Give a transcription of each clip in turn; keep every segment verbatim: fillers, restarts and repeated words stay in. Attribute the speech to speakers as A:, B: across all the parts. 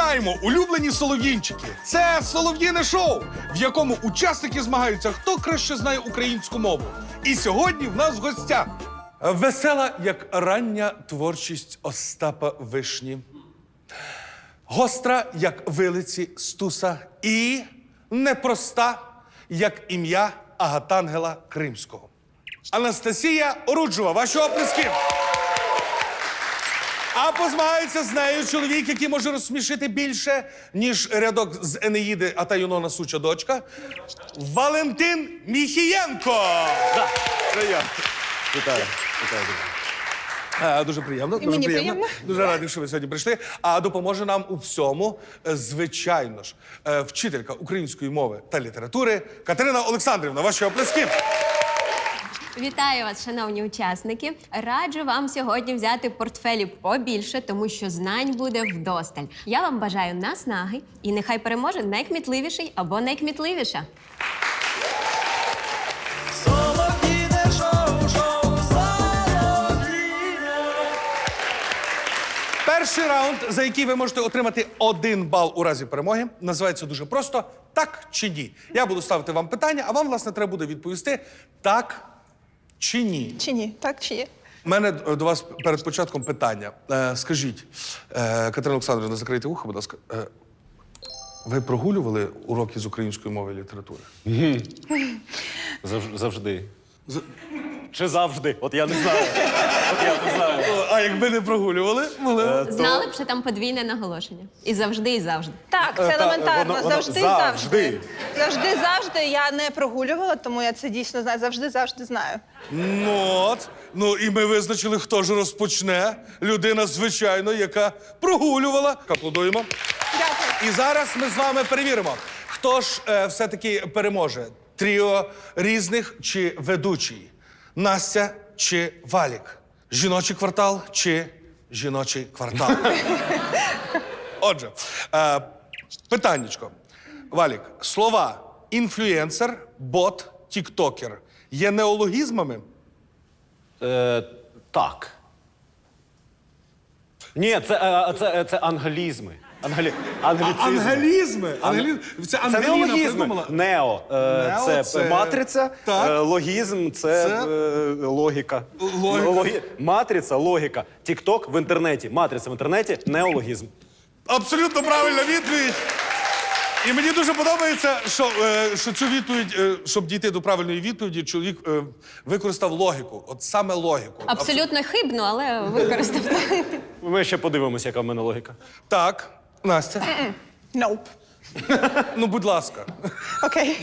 A: Вітаємо, улюблені солов'їнчики! Це солов'їне шоу, в якому учасники змагаються, хто краще знає українську мову. І сьогодні в нас в гостях весела, як рання творчість Остапа Вишні, гостра, як вилиці Стуса, і непроста, як ім'я Агатангела Кримського. Анастасія Оруджова, ваші оплески! А позмагаються з нею чоловік, який може розсмішити більше, ніж рядок з Енеїди «А та Юнона суча дочка» – Валентин Міхієнко!
B: Да. Приємно. Вітаю. Вітаю.
A: А, дуже приємно.
C: І
A: дуже
C: мені
A: приємно.
C: приємно.
A: Дуже радий, що ви сьогодні прийшли. А допоможе нам у всьому, е, звичайно ж, е, вчителька української мови та літератури Катерина Олександрівна. Ваші оплески!
D: Вітаю вас, шановні учасники. Раджу вам сьогодні взяти портфелі побільше, тому що знань буде вдосталь. Я вам бажаю наснаги, і нехай переможе найкмітливіший або найкмітливіша.
A: Перший раунд, за який ви можете отримати один бал у разі перемоги, називається дуже просто «Так чи ні?». Я буду ставити вам питання, а вам, власне, треба буде відповісти «так» чи «ні».
C: Чи ні? Так чи є?
A: У мене до вас перед початком питання. Е, скажіть, е, Катерина Олександрівна, закрийте вухо, будь ласка. Е, ви прогулювали уроки з української мови і літератури?
B: Зав- завжди. Чи завжди? От я не знаю. От я не знаю.
A: А якби не прогулювали, могли.
D: Знали б, що там подвійне наголошення. І завжди, і завжди.
C: Так, це
B: Е, та,
C: елементарно.
B: воно- воно
C: завжди,
B: завжди.
C: завжди. Завжди, завжди. Я не прогулювала, тому я це дійсно знаю. Завжди, завжди знаю.
A: Ну от. Ну і ми визначили, хто ж розпочне. Людина, звичайно, яка прогулювала. Аплодуємо.
C: Дякую.
A: І зараз ми з вами перевіримо, хто ж е, все-таки переможе. Тріо різних чи ведучий? Настя чи Валік? Жіночий квартал чи жіночий квартал? Отже, е, питаннячко. Валік, слова інфлюенсер, бот, тіктокер є неологізмами?
B: Е, так. Ні, це, е, це, це англізми. Ангелі... Англіцизми.
A: Ангелізми? Ангелі... Це
B: Це
A: Ангеліна
B: не логізми.
A: придумала.
B: Нео. Е,
A: Нео
B: це,
A: це-
B: матриця,
A: Так.
B: е, логізм це,
A: Це-
B: е, логіка.
A: Логіка.
B: Логі- Матриця, логіка. Тікток в інтернеті. Матриця в інтернеті неологізм.
A: Абсолютно правильна відповідь. І мені дуже подобається, що, е, що цю відповідь, е, щоб дійти до правильної відповіді, чоловік е, використав логіку. От саме логіку.
D: Абсолютно хибно, але використав.
B: Ми ще подивимося, яка в мене логіка.
A: Так, Настя.
C: Nope.
A: Ну, будь ласка.
C: Окей.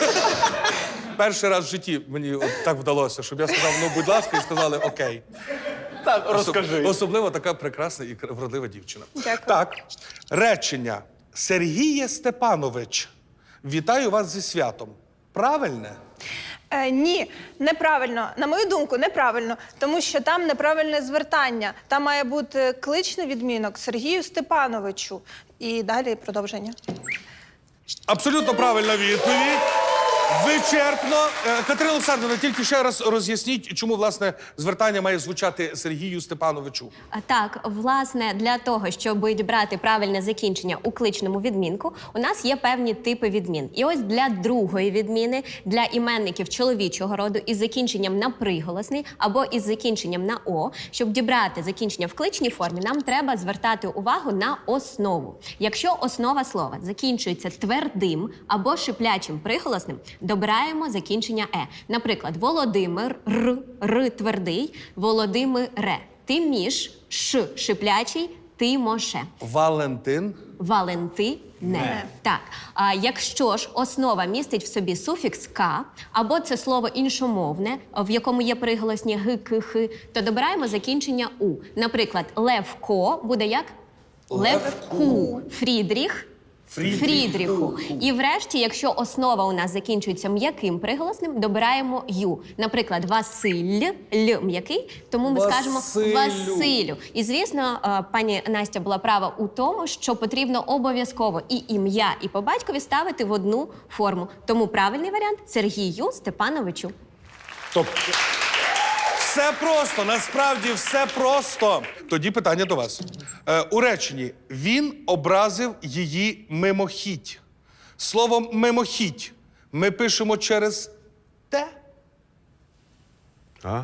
A: Перший раз в житті мені от так вдалося, щоб я сказав, ну, будь ласка, і сказали окей.
B: Так,
A: Особ- Особливо така прекрасна і кр- вродлива дівчина.
C: Дякую.
A: Так, речення. Сергіє Степанович, вітаю вас зі святом. Правильне?
C: Е, ні, неправильно. На мою думку, неправильно. Тому що там неправильне звертання. Там має бути кличний відмінок Сергію Степановичу. І далі продовження.
A: Абсолютно правильна відповідь. Вичерпно. Е, Катерина Олександрівна, тільки ще раз роз'ясніть, чому, власне, звертання має звучати Сергію Степановичу.
D: А Так, власне, для того, щоб брати правильне закінчення у кличному відмінку, у нас є певні типи відмін. І ось для другої відміни, для іменників чоловічого роду із закінченням на приголосний або із закінченням на «о», щоб дібрати закінчення в кличній формі, нам треба звертати увагу на основу. Якщо основа слова закінчується твердим або шиплячим приголосним, добираємо закінчення «е». Наприклад, Володимир, р, р твердий, Володимире. Тиміш, ш шиплячий, Тимоше.
A: Валентин.
D: Валентине.
C: Не.
D: Так. А якщо ж основа містить в собі суфікс «ка», або це слово іншомовне, в якому є приголосні «г», «к», «х», то добираємо закінчення «у». Наприклад, Левко буде як? Левку. Фрідріх.
A: Фрідріх.
D: Фрідріху. І врешті, якщо основа у нас закінчується м'яким приголосним, добираємо «ю». Наприклад, Василь, «л» м'який, тому ми скажемо
A: Василю.
D: Василю. І, звісно, е, пані Настя була права у тому, що потрібно обов'язково і ім'я, і по батькові ставити в одну форму. Тому правильний варіант – Сергію Степановичу.
A: Тобто Все просто, насправді все просто. Тоді питання до вас. Е, у реченні він образив її мимохідь. Словом мимохідь ми пишемо через те.
B: А?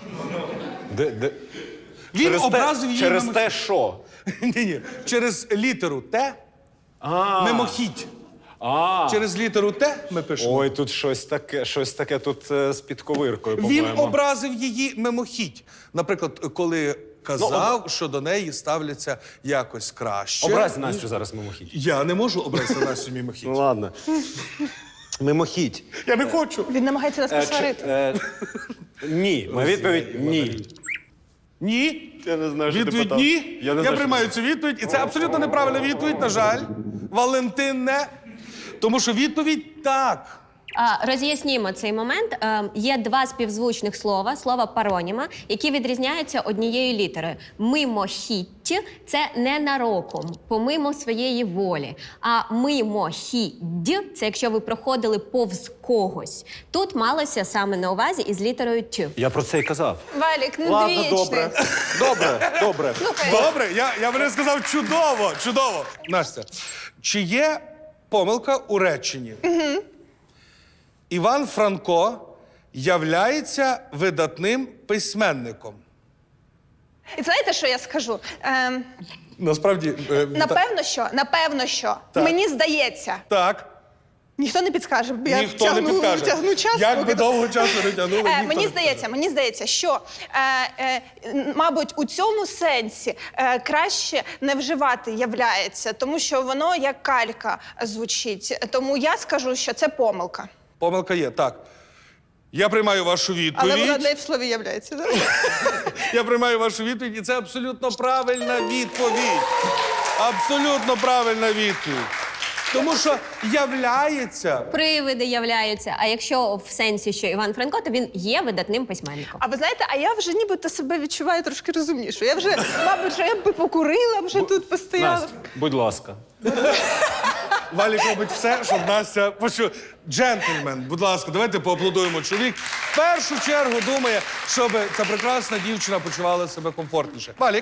B: Де, де?
A: Він
B: Через
A: образив
B: те,
A: її
B: Через
A: мимохідь.
B: те, що?
A: Ні-ні, через літеру те
B: А,
A: мимохідь.
B: а.
A: Через літеру те ми пишемо.
B: Ой, тут щось таке, щось таке тут е, з підковиркою,
A: Він
B: по-моєму.
A: образив її мимохідь. Наприклад, коли казав,
B: Ну,
A: що до неї ставляться якось краще.
B: Образь Настю зараз мимохідь.
A: Я не можу образити Настю мимохідь.
B: Ну ладно. Мимохідь.
A: Я не хочу.
C: Він намагається нас
B: Е, чи-
C: посварити.
B: е, ні. Моя відповідь ні.
A: Ні.
B: Я не знаю, що ти
A: Відповідь
B: питав.
A: ні.
B: Я не
A: Я,
B: знаю, що
A: приймаю цю відповідь. І це абсолютно неправильна відповідь, на жаль. Валентин не. Тому що відповідь так.
D: А, роз'яснімо цей момент. Е, є два співзвучних слова, слова пароніма, які відрізняються однією літерою. Мимохідь – це ненароком, помимо своєї волі. А мимохідь – це якщо ви проходили повз когось. Тут малося саме на увазі із літерою Т.
B: Я про це і казав.
C: Валік, ну
B: Ладно,
C: двічний.
B: добре. Добре, добре.
C: Слухай,
A: Добре, я, я би не сказав чудово, чудово. Настя, чи є помилка у реченні? Угу. Іван Франко являється видатним письменником.
C: і знаєте, що я скажу? Ем,
A: Насправді, е,
C: напевно, що, напевно, що.
A: Так.
C: Мені здається.
A: так.
C: Ніхто не підскаже, бо я
A: Ніхто
C: тягну,
A: не підкаже.
C: тягну час.
A: Як
C: поки
A: би довго часу не тягнули,
C: Е,
A: ніхто
C: мені
A: не
C: здається, мені здається, що е, е, мабуть у цьому сенсі е, краще не вживати являється, тому що воно як калька звучить. Тому я скажу, що це помилка.
A: Помилка є, так. Я приймаю вашу відповідь.
C: Але вона не в слові являється. да?
A: Я приймаю вашу відповідь, і це абсолютно правильна відповідь. Абсолютно правильна відповідь. Тому що являється.
D: Привиди являються. А якщо в сенсі, що Іван Франко, то він є видатним письменником.
C: А ви знаєте, а я вже нібито себе відчуваю трошки розумніше. Я вже, мабуть, що я б покурила, вже тут постояла.
B: Настя, будь ласка.
A: Валік робить все, щоб Настя почула. Джентльмен, будь ласка, давайте поаплодуємо. Чоловік в першу чергу думає, щоб ця прекрасна дівчина почувала себе комфортніше. Валік,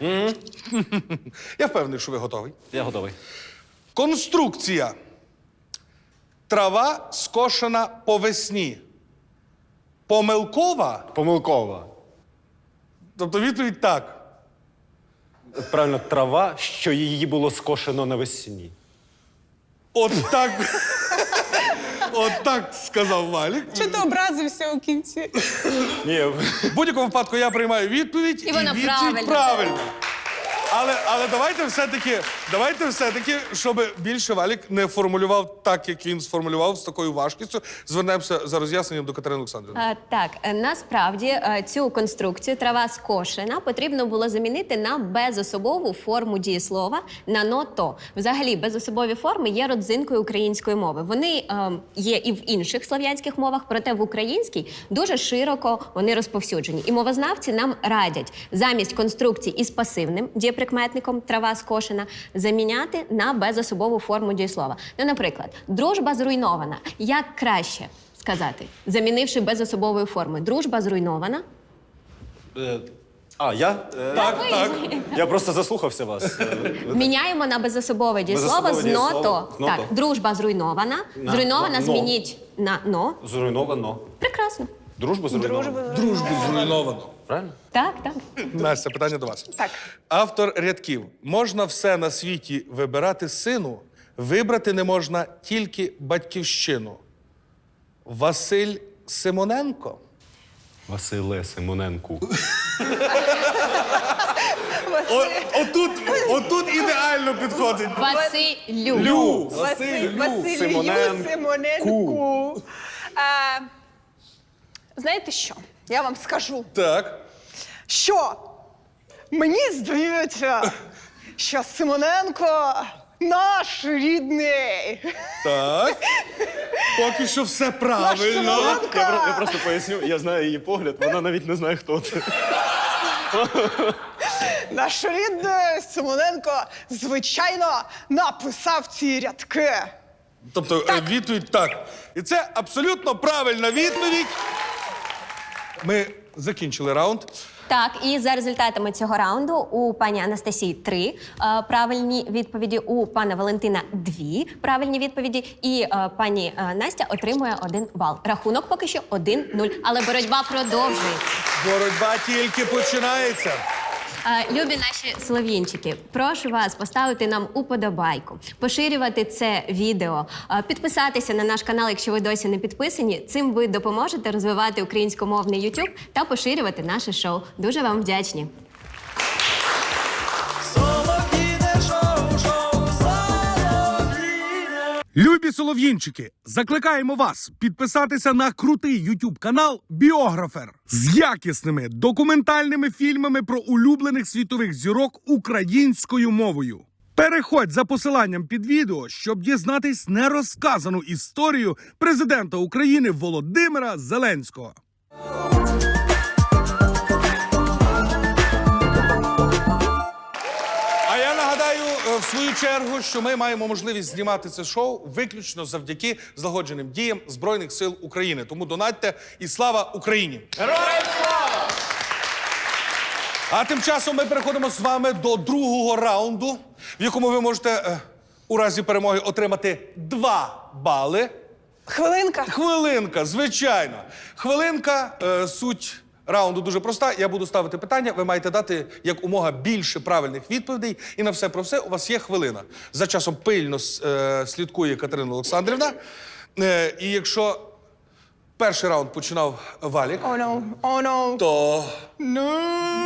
A: я впевнений, що ви готовий.
B: Я готовий.
A: Конструкція. Трава скошена по весні. Помилкова?
B: Помилкова.
A: Тобто відповідь так.
B: Правильно, трава, що її було скошено навесні.
A: От так. От так сказав Валік.
C: Чи ти образився у кінці?
B: Ні,
A: В будь-якому випадку я приймаю відповідь,
D: І вона
A: відповідь
D: правильна.
A: правильна. Але, але давайте все-таки, давайте все-таки, щоб більше Валік не формулював так, як він сформулював, з такою важкістю, звернемося за роз'ясненням до Катерини Олександрівни.
D: А, так, е, насправді е, цю конструкцію трава скошена потрібно було замінити на безособову форму дієслова на но-то. Взагалі, безособові форми є родзинкою української мови. Вони е, є і в інших слов'янських мовах, проте в українській дуже широко вони розповсюджені. І мовознавці нам радять замість конструкцій із пасивним дієприкметником трава скошена заміняти на безособову форму дієслова. Ну, наприклад, дружба зруйнована. Як краще сказати, замінивши безособовою формою? Дружба зруйнована.
B: Е, а, я? Е,
A: Так, так.
B: Я просто заслухався вас. Е, ви-
D: Міняємо на безособове дієслово
B: Безособове
D: з
B: дієслово.
D: но-то.
B: «но-то».
D: Так, дружба зруйнована.
B: На-
D: Зруйнована
B: на- «но».
D: змініть на но.
B: Зруйновано.
D: Прекрасно.
B: Дружба зруйнована.
A: Дружбу зруйновано.
B: Правильно?
D: Так, так.
A: Настя, питання до вас.
C: Так.
A: Автор рядків. Можна все на світі вибирати сину, вибрати не можна тільки батьківщину. Василь Симоненко.
B: Василе Симоненку.
A: О, отут, отут ідеально підходить.
D: Василю.
B: Лю.
C: Василь, Василь
B: Симоненку.
C: Симоненку. Е, знаєте що? Я вам скажу,
A: Так.
C: що мені здається, що Симоненко наш рідний.
A: Так. Поки що все правильно.
C: Симоненко.
B: Я, про- я просто поясню, я знаю її погляд, вона навіть не знає, хто це.
C: Наш рідний Симоненко, звичайно, написав ці рядки.
A: Тобто е, відповідь так. І це абсолютно правильна відповідь. Ми закінчили раунд.
D: Так, і за результатами цього раунду у пані Анастасії три е, правильні відповіді, у пана Валентина дві правильні відповіді, і е, пані е, Настя отримує один бал. Рахунок поки що один нуль, але боротьба продовжується.
A: Боротьба тільки починається.
D: Е, Любі наші солов'їнчики, прошу вас поставити нам уподобайку, поширювати це відео, е, підписатися на наш канал, якщо ви досі не підписані. Цим ви допоможете розвивати українськомовний YouTube та поширювати наше шоу. Дуже вам вдячні.
A: Любі солов'їнчики, закликаємо вас підписатися на крутий YouTube канал Біографер з якісними документальними фільмами про улюблених світових зірок українською мовою. Переходь за посиланням під відео, щоб дізнатись нерозказану історію президента України Володимира Зеленського. А я нагадаю, е, в свою чергу, що ми маємо можливість знімати це шоу виключно завдяки злагодженим діям Збройних сил України. Тому донатьте і слава Україні!
B: Героям слава!
A: А тим часом ми переходимо з вами до другого раунду, в якому ви можете е, у разі перемоги отримати два бали.
C: Хвилинка.
A: Хвилинка, звичайно. Хвилинка, е, суть раунду дуже проста. Я буду ставити питання, ви маєте дати як умога більше правильних відповідей. І на все про все у вас є хвилина. За часом пильно е, слідкує Катерина Олександрівна. Е, і якщо перший раунд починав Валік,
C: О, ну, о, ну.
A: то
C: Ну.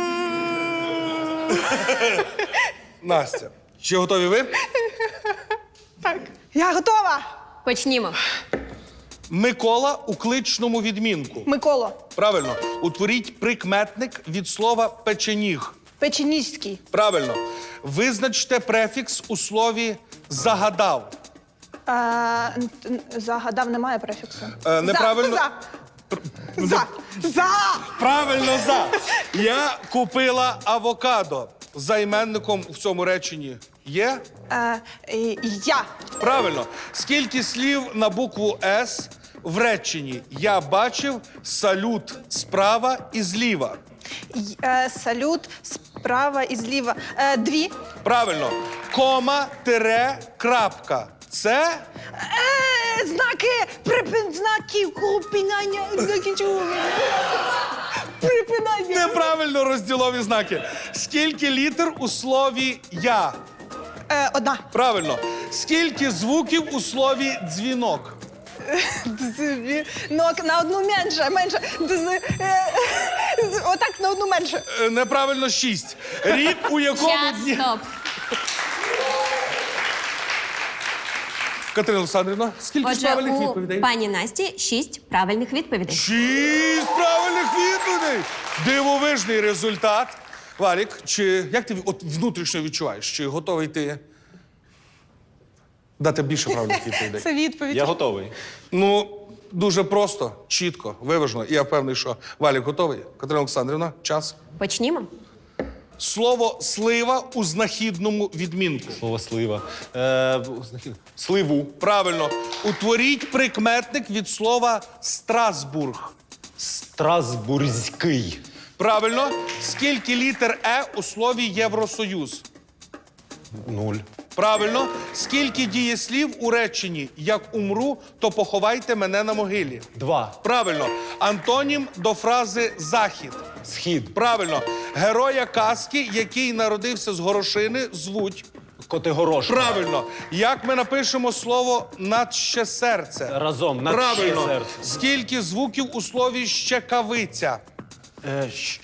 A: Настя. Чи готові ви?
C: Так. Я готова.
D: Почнімо.
A: Микола у кличному відмінку.
C: Микола.
A: Правильно. Утворіть прикметник від слова печеніг.
C: Печеніжський.
A: Правильно. Визначте префікс у слові загадав.
C: Е, н- н- загадав, немає префіксу.
A: Е, неправильно.
C: За. За. За. За.
A: Правильно, за. Я купила авокадо. За іменником в цьому реченні є?
C: Е, і- я.
A: Правильно. Скільки слів на букву С в реченні? Я бачив салют справа і зліва.
C: Й- е, салют справа і зліва. Е, дві.
A: Правильно. Кома, тире, крапка. Це
C: Е, знаки, припин, знаки, припинання, знаки чого? Припинання.
A: неправильно розділові знаки. Скільки літер у слові я?
C: Е, одна.
A: Правильно. Скільки звуків у слові дзвінок?
C: Ну, на одну менше, менше. Дз- е, з- Отак на одну менше.
A: Е, Неправильно шість. Рік, у якому
D: Час,
A: дні.
D: стоп.
A: Катерина Олександрівна, скільки ж
D: Отже,
A: правильних
D: у
A: відповідей?
D: пані Насті шість правильних відповідей.
A: Шість правильних відповідей! Дивовижний результат. Валік, чи як ти от внутрішньо відчуваєш? Чи готовий ти дати більше правильних відповідей?
C: Це відповідь.
B: Я готовий.
A: Ну, дуже просто, чітко, виважено. І я впевнений, що Валік готовий. Катерина Олександрівна, час.
D: Почнімо.
A: Слово слива у знахідному відмінку.
B: Слово слива. Е, знахід- Сливу.
A: Правильно. Утворіть прикметник від слова Страсбург.
B: Страсбурзький.
A: Правильно. Скільки літер Е у слові Євросоюз?
B: Нуль.
A: Правильно. Скільки дієслів у реченні «Як умру, то поховайте мене на могилі»?
B: Два.
A: Правильно. Антонім до фрази «захід».
B: Схід.
A: Правильно. Героя казки, який народився з горошини, звуть.
B: Котигорошка.
A: Правильно. Як ми напишемо слово «надще серце»?
B: Разом. Надще
A: Правильно.
B: серце.
A: Скільки звуків у слові «щекавиця»?
B: Е, щ-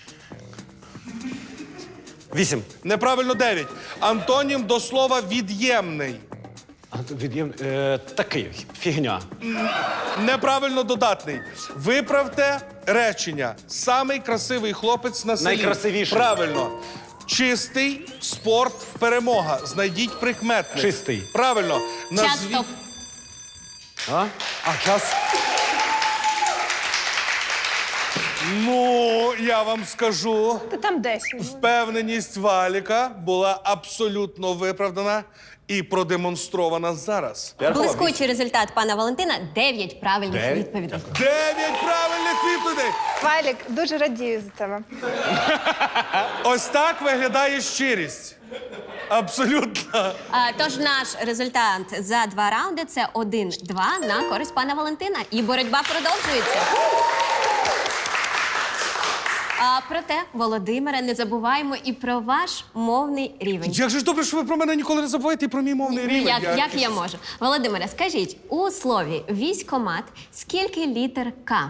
B: Вісім.
A: Неправильно дев'ять. Антонім до слова «від'ємний».
B: А, Від'єм... Е, такий. Фігня.
A: Неправильно додатний. Виправте речення. Самий красивий хлопець на селі.
B: Найкрасивіший.
A: Правильно. Чистий, спорт, перемога. Знайдіть прикметник.
B: Чистий.
A: Правильно.
D: Час,
A: Назвіть-
D: стоп.
B: А? А, час.
A: Ну, я вам скажу.
C: Та там десять.
A: Впевненість Валіка була абсолютно виправдана. і продемонстрована зараз.
D: Блискучий результат пана Валентина – дев'ять правильних
B: Дев'ять?
D: відповідей.
A: Дев'ять правильних відповідей!
C: Валік, дуже радію за тебе.
A: Ось так виглядає щирість. Абсолютно.
D: А, тож наш результат за два раунди – це один-два на користь пана Валентина. І боротьба продовжується. А проте, Володимире, не забуваємо і про ваш мовний рівень.
A: Як же ж добре, що ви про мене ніколи не забуваєте і про мій мовний рівень.
D: Як, як я можу? Володимире, скажіть, у слові «військкомат» скільки літер «К»?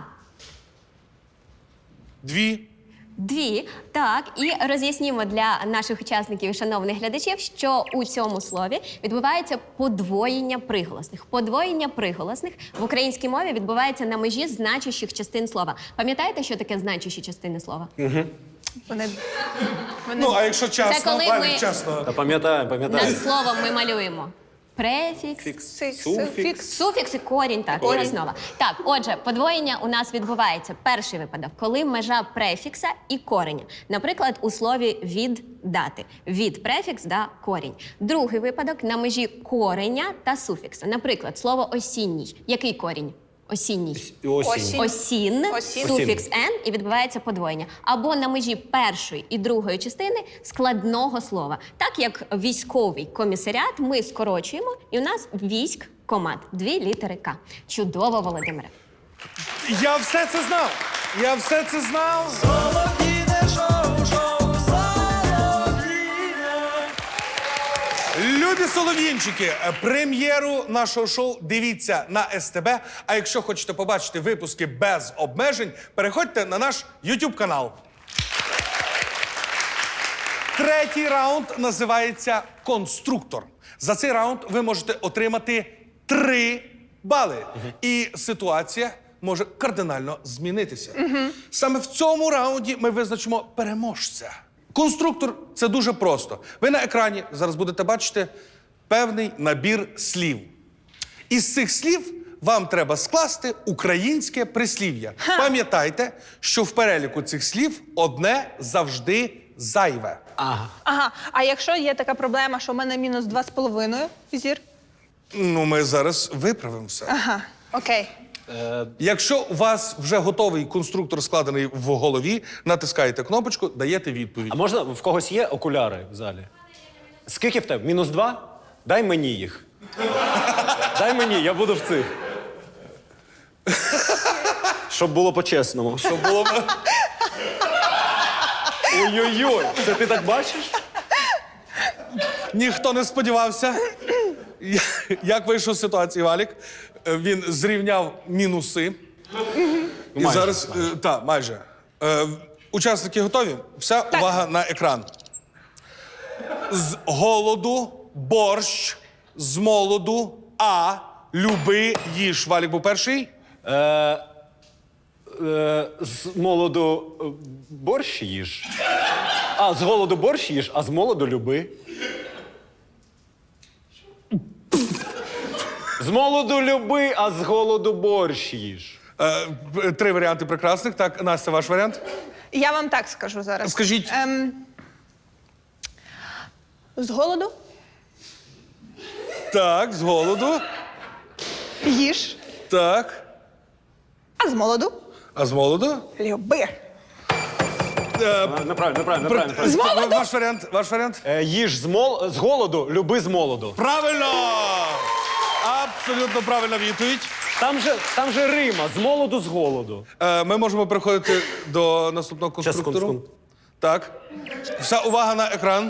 A: Дві.
D: Дві. Так, і роз'яснімо для наших учасників і шановних глядачів, що у цьому слові відбувається подвоєння приголосних. Подвоєння приголосних в українській мові відбувається на межі значущих частин слова. Пам'ятаєте, що таке значущі частини слова?
C: Вони, вони...
A: Ну, а якщо чесно,
D: коли
A: Валік,
D: ми-
A: чесно.
B: Та пам'ятаю, пам'ятаю.
D: Над словом ми малюємо префікс,
C: Суфікс.
B: Суфікс.
D: суфікс і корінь, так, і основа. Так, отже, подвоєння у нас відбувається. Перший випадок, коли межа префікса і кореня. Наприклад, у слові «віддати». Від префікс да корінь. Другий випадок на межі кореня та суфікса. Наприклад, слово «осінній». Який корінь? Осінній.
B: Осінь.
C: Осінь.
D: Осін,
C: Осін.
D: суфікс «н» і відбувається подвоєння. Або на межі першої і другої частини складного слова. Так як військовий комісаріат ми скорочуємо, і у нас військкомат. Дві літери «К». Чудово, Володимире.
A: Я все це знав. Я все це знав. Любі солов'їнчики, прем'єру нашого шоу дивіться на ес те бе. А якщо хочете побачити випуски без обмежень, переходьте на наш ютуб канал. Третій раунд називається «Конструктор». За цей раунд ви можете отримати три бали. І ситуація може кардинально змінитися. Саме в цьому раунді ми визначимо переможця. Конструктор – це дуже просто. Ви на екрані зараз будете бачити певний набір слів. Із цих слів вам треба скласти українське прислів'я. Пам'ятайте, що в переліку цих слів одне завжди зайве.
B: Ага.
C: Ага, а якщо є така проблема, що в мене мінус два з половиною, зір?
A: Ну, ми зараз виправимо все.
C: Ага, окей.
A: Якщо у вас вже готовий конструктор складений в голові, натискаєте кнопочку, даєте відповідь.
B: А можна, в когось є окуляри в залі? Скільки в тебе? Мінус два? Дай мені їх. Дай мені, я буду в цих. Щоб було по-чесному.
A: Щоб було...
B: Ой-ой-ой, це ти так бачиш?
A: Ніхто не сподівався. Я- Як вийшов з ситуації Валік? Е, Він зрівняв мінуси. І
B: майже,
A: зараз, е, та, майже. Е, Учасники готові? Вся увага на екран. З голоду борщ, з молоду а, люби, їж. Валік був перший.
B: Е, е, з молоду е, борщ їж. А, з голоду борщ їж, а з молоду люби. З молоду люби, а з голоду борщ їж.
A: Е, п- Три варіанти прекрасних. Так, Настя, ваш варіант?
C: Я вам так скажу зараз.
A: Скажіть.
C: Ем, з голоду
A: Так, з голоду.
C: їж,
A: Так.
C: а з молоду
A: А з молоду?
C: люби.
B: А, Неправильно, неправильно, неправильно.
A: Ва- Ваш варіант, ваш варіант?
B: Е, їж з, мол... з голоду, люби з молоду.
A: Правильно! Абсолютно правильна відповідь.
B: Там же, там же Рима, з молоду, з голоду.
A: Е, ми можемо переходити до наступного
B: Щас,
A: конструктору.
B: секунду,
A: Так. Вся увага на екран.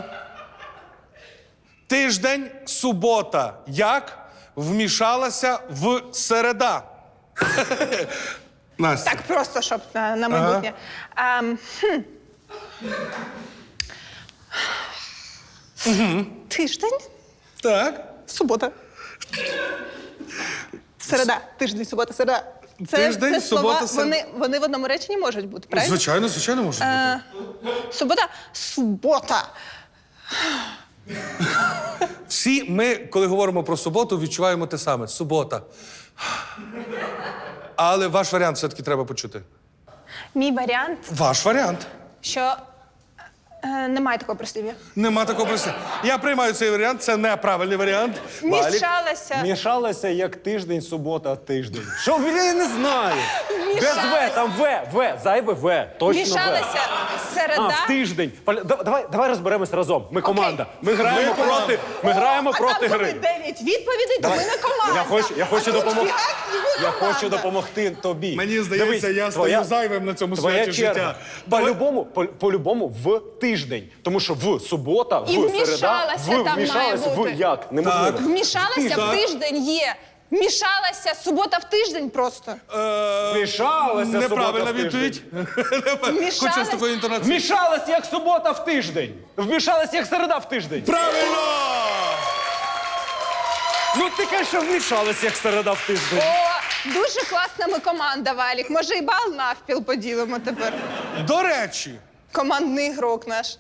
A: Тиждень, субота. Як вмішалася в середа? Настя.
C: Так просто, щоб на, на майбутнє. Ем, хм. Тиждень,
A: Так.
C: субота. Середа, тиждень, субота, середа. Це,
A: Тиждень,
C: це слова,
A: субота, середа.
C: вони, вони в одному реченні можуть бути, правильно?
A: Звичайно, звичайно, може бути.
C: Е, субота, субота.
A: Всі ми, коли говоримо про суботу, відчуваємо те саме. Субота. Але ваш варіант все-таки треба почути.
C: Мій варіант,
A: Ваш варіант.
C: що Е, немає такого прислів'я.
A: Нема такого прислів'я. Я приймаю цей варіант, це неправильний варіант. Валік.
C: Мішалася.
B: Мішалася як тиждень, субота, тиждень. Що, я не знаю. Без
C: Мішалася.
B: В, там В, В, зайве В, точно В.
C: Мішалася середа.
B: А, в тиждень. Поля- да- Давай, давай розберемось разом. Ми команда. Ми граємо
A: Ви команда.
B: проти, ми граємо
C: а
B: проти
C: там
B: гри.
C: коли дев'ять відповідей, то ми не команда.
B: Я хочу, я хочу
C: А тут
B: допомогти.
C: фігак, і ви
B: Я
C: команда.
B: хочу допомогти тобі.
A: Мені здається,
B: Дивись,
A: я
B: твоя-
A: стою зайвим на цьому
B: твоя
A: святі
B: черга.
A: життя.
B: По-любому, по- по-любому в тиждень. Тому що в субота, в
C: І
B: середа,
C: вмішалася
B: в
C: там
B: вмішалася,
C: має бути.
B: в як? Неможливо.
A: Так.
C: Вмішалася
A: Так.
C: в тиждень є. Мішалася субота в тиждень просто.
A: Е,
B: Вмішалася субота
A: Неправильна
B: в тиждень.
A: відповідь. Хочу з такою інтонацією.
B: Вмішалась як субота в тиждень. Вмішалась як середа в тиждень.
A: Правильно!
B: Ну ти кажеш, що вмішалась як середа в тиждень.
C: О, дуже класна ми команда, Валік. Може, і бал навпіл поділимо тепер.
A: До речі,
C: Командний ігрок наш.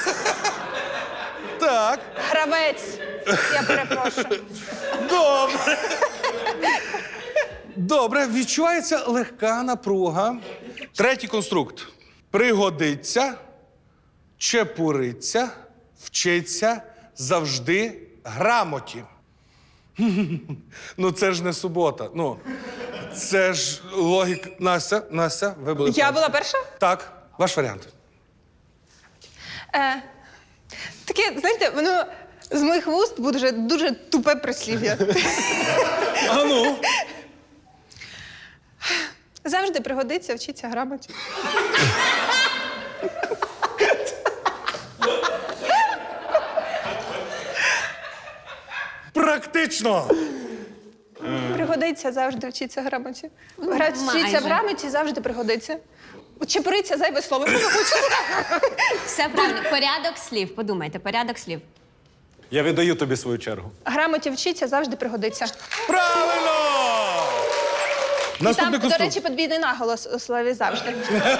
A: так,
C: Гравець. Я перепрошую.
A: добре. Добре, відчувається легка напруга. Третій конструкт. Пригодиться, чепуриться, вчиться завжди грамоті. Ну це ж не субота. Ну, це ж логіка. Настя, Настя, ви були.
C: Я
A: перші.
C: була перша?
A: Так, ваш варіант.
C: Е, таке, знаєте, воно з моїх вуст буде дуже, дуже тупе прислів'я.
A: А ну.
C: Завжди пригодиться, вчиться грамоті.
A: Практично.
C: Пригодиться, завжди вчиться грамоті. Грати вчиться
D: майже.
C: в грамоті, завжди пригодиться. Чепуриться зайве слово.
D: Все правильно. Порядок слів. Подумайте, порядок слів.
B: Я віддаю тобі свою чергу.
C: Грамоті вчиться, завжди пригодиться.
A: Правильно!
C: Там,
A: Наступний
C: до
A: конструкт.
C: речі, подвійний наголос у слові завжди.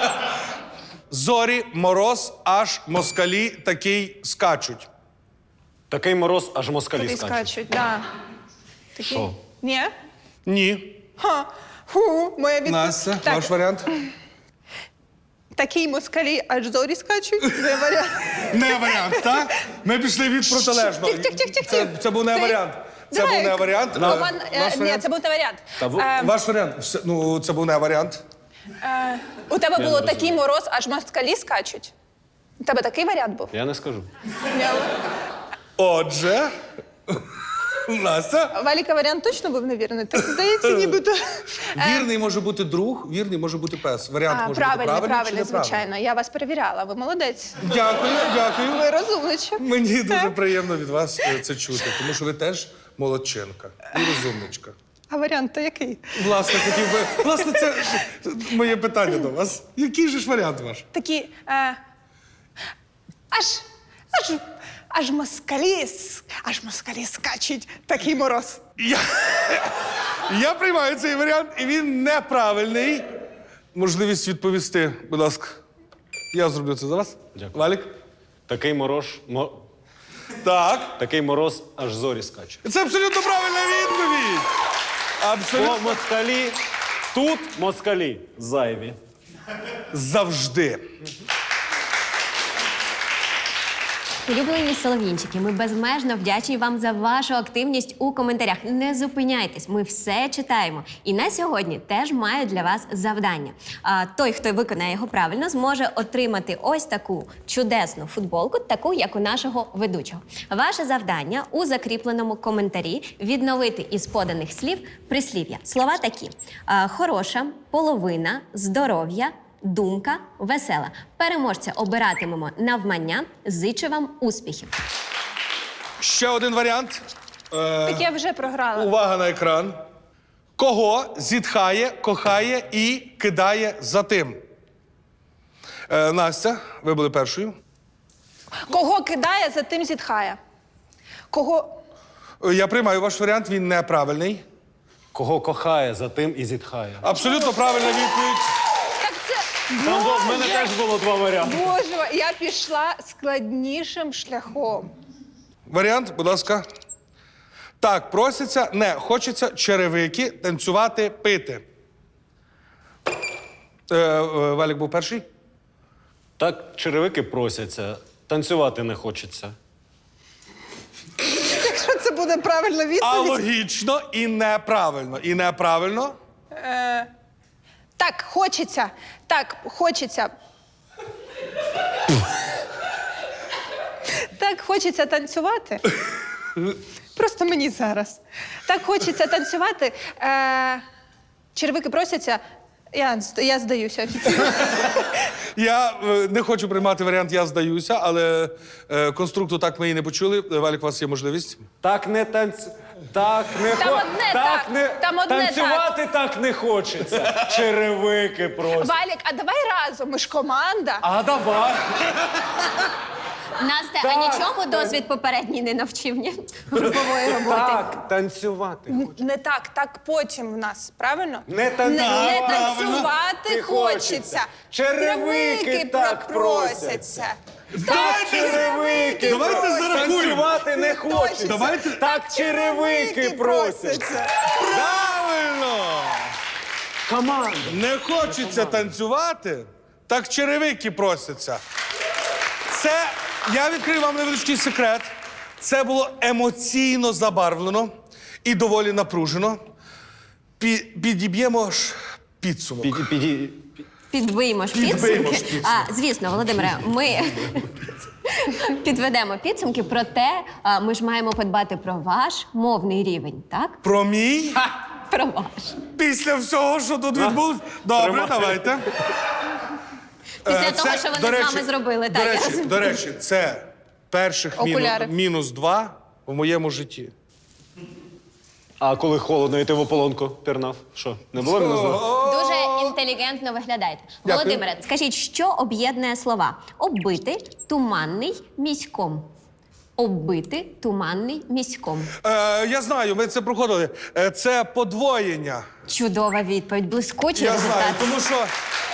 A: Зорі, мороз, аж москалі такий скачуть.
B: Такий мороз, аж москалі
C: Такий
B: скачуть.
C: скачуть, да. Такий.
B: Що?
C: Ні?
A: Ні.
C: Ха. Фу, моя відповідь.
A: Настя,
C: Так,
A: ваш варіант?
C: Такий москалі, аж зорі скачуть. Не варіант.
A: Не варіант, так? Ми пішли від протилежного.
C: Тих, тих, тих, тих,
A: Це,
C: тих.
A: це був не
C: Ти-
A: варіант. Це
C: Давай.
A: був не варіант.
C: Роман,
A: Е,
C: е,
A: ваш
C: ні,
A: варіант?
C: це був не варіант.
B: Та ви-
C: Е,
A: Ваш варіант. Все, ну, це був не варіант.
C: е, у тебе було такий мороз, аж москалі скачуть. У тебе такий варіант був?
B: Я не скажу.
C: Ні.
A: Отже, Настя.
C: Валіка варіант точно був невірний? Так здається, нібито.
A: Вірний може бути друг, вірний може бути пес. Варіант
C: А,
A: може
C: правильно,
A: бути правильний чи
C: правильно,
A: неправильний.
C: звичайно. Я вас перевіряла. Ви молодець.
A: Дякую, дякую.
C: Ви розумничок.
A: Мені дуже приємно від вас е, це чути, тому що ви теж молодчинка і розумничка.
C: А варіант то який?
A: Власне, хотів би. Власне, це моє питання до вас. Який же ж варіант ваш?
C: Такі. Е, аж. Аж. Аж москалі, с- аж москалі скачуть. Такий мороз.
A: Я, я приймаю цей варіант, і він неправильний. Можливість відповісти, будь ласка. Я зроблю це за вас.
B: Дякую.
A: Валік?
B: Такий мороз, мо...
A: Так.
B: такий мороз, аж зорі скачуть.
A: Це абсолютно правильна відповідь. Абсолютно.
B: По москалі, тут москалі зайві.
A: Завжди.
D: Улюблені солов'їнчики, ми безмежно вдячні вам за вашу активність у коментарях. Не зупиняйтесь, ми все читаємо. І на сьогодні теж маю для вас завдання. А, той, хто виконає його правильно, зможе отримати ось таку чудесну футболку, таку, як у нашого ведучого. Ваше завдання у закріпленому коментарі відновити із поданих слів прислів'я. Слова такі: а, хороша, половина, здоров'я, думка, весела. Переможця обиратимемо навмання. Зичу вам успіхів.
A: Ще один варіант. Е,
C: Так я вже програла.
A: увага на екран. Кого зітхає, кохає і кидає за тим? Е, Настя, ви були першою.
C: Кого кидає, за тим зітхає. Кого.
A: Е, Я приймаю ваш варіант, він неправильний.
B: Кого кохає, за тим і зітхає.
A: Абсолютно правильна відповідь.
C: Так це.
B: Там в мене
C: Боже!
B: теж було два варіанти.
C: Боже, я пішла складнішим шляхом.
A: Варіант, будь ласка. Так, проситься, не хочеться черевики, танцювати, пити. Е, е, Валік був перший.
B: Так черевики просяться. Танцювати не хочеться.
C: Якщо це буде правильна
A: А
C: відповідь.
A: логічно і неправильно. І неправильно.
C: Так, хочеться. Так, хочеться. Так, хочеться танцювати. Просто мені зараз. Так хочеться танцювати. Е, червики просяться. Я, я здаюся офіційно.
A: Я е, не хочу приймати варіант «я здаюся», але е, конструкту так ми і не почули. Валік, у вас є можливість.
B: Так не танц... Так не
C: Там
B: хо-
C: одне так,
B: не...
C: там одне
B: Танцювати так. не хочеться. Черевики просто.
C: Валік, а давай разом, ми ж команда.
B: А давай.
D: Настя,
B: Так.
D: а нічому досвід попередній не навчив ні? Групової роботи.
B: Так, танцювати.
C: Не так, так потім в нас, правильно?
B: Не танцювати.
C: Не, не танцювати
B: хочеться.
C: хочеться.
B: Черевики так
C: просяться.
B: Так, черевики.
A: Давайте
B: просяться.
A: зарахуємо.
B: Танцювати не хочеться.
A: Давайте.
B: Так, черевики просяться.
A: Правильно!
B: Команда.
A: Не хочеться танцювати, так черевики просяться. Це, я відкрию вам невеличкий секрет. Це було емоційно забарвлено і доволі напружено. Пі- підіб'ємо ж підсумок.
B: Піді, піді,
D: Підбиймо ж
A: Підбиймо
D: підсумки.
A: ж підсумки.
D: А, звісно, Володимире, ми підведемо підсумки, проте а, ми ж маємо подбати про ваш мовний рівень, так?
A: Про мій?
D: Про ваш.
A: Після всього, що тут відбулось? Добре,
B: Тримай.
A: давайте.
D: Після
A: Е,
D: того,
A: це,
D: що вони
A: до
D: з
A: речі,
D: вами зробили.
A: До
D: Так, я
A: речі,
D: розумію.
A: до речі, це перших мінус,
C: Окуляри.
A: мінус два в моєму житті.
B: А коли холодно, і ти в ополонку пірнав? Що, не було мінус два?
D: Дуже інтелігентно виглядаєте.
A: Дякую.
D: Володимире, скажіть, що об'єднує слова? Оббити, туманний, міськом. Оббити, туманний, міськом.
A: Е, я знаю, ми це проходили. Е, це подвоєння.
D: Чудова відповідь, блискучий
A: Я
D: результат.
A: знаю, тому що.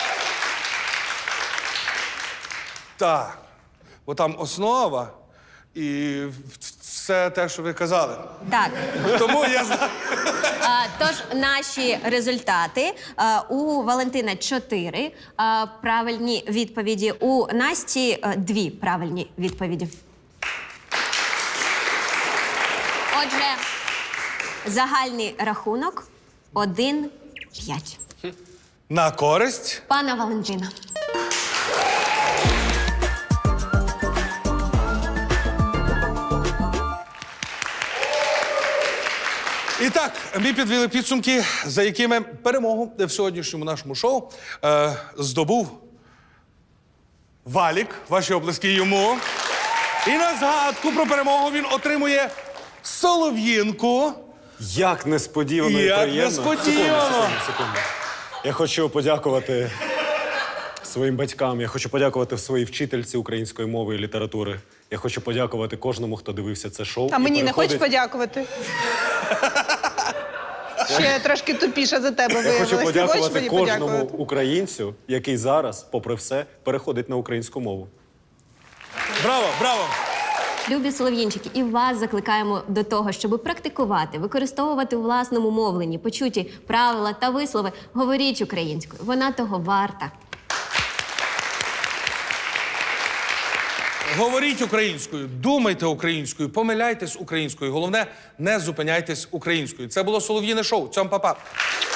A: Так. Бо там основа і все те, що ви казали.
D: Так.
A: Тому я знаю.
D: А, тож наші результати. А, у Валентина чотири а, правильні відповіді, у Насті а, дві правильні відповіді. Отже, загальний рахунок один п'ять.
A: На користь.
D: Пана Валентина.
A: І так, ми підвели підсумки, за якими перемогу в сьогоднішньому нашому шоу е, здобув Валік. Ваші оплески йому. І на згадку про перемогу він отримує солов'їнку.
B: Як несподівано і
A: Як
B: приємно.
A: несподівано.
B: Секунду, секунду, секунду. Я хочу подякувати своїм батькам, я хочу подякувати своїй вчительці української мови і літератури. Я хочу подякувати кожному, хто дивився це шоу.
C: А
B: і
C: мені не хочеш
B: переходить-
C: подякувати? Ще трошки тупіша за тебе
B: Я
C: виявилась.
B: хочу
C: Не хочеш
B: подякувати
C: мені
B: кожному
C: подякувати?
B: українцю, який зараз, попри все, переходить на українську мову.
A: Браво, браво!
D: Любі солов'їнчики, і вас закликаємо до того, щоб практикувати, використовувати у власному мовленні почуті правила та вислови. Говоріть українською, вона того варта.
A: Говоріть українською, думайте українською, помиляйтесь українською. Головне, не зупиняйтесь українською. Це було Солов'їне шоу. Цьом па-па.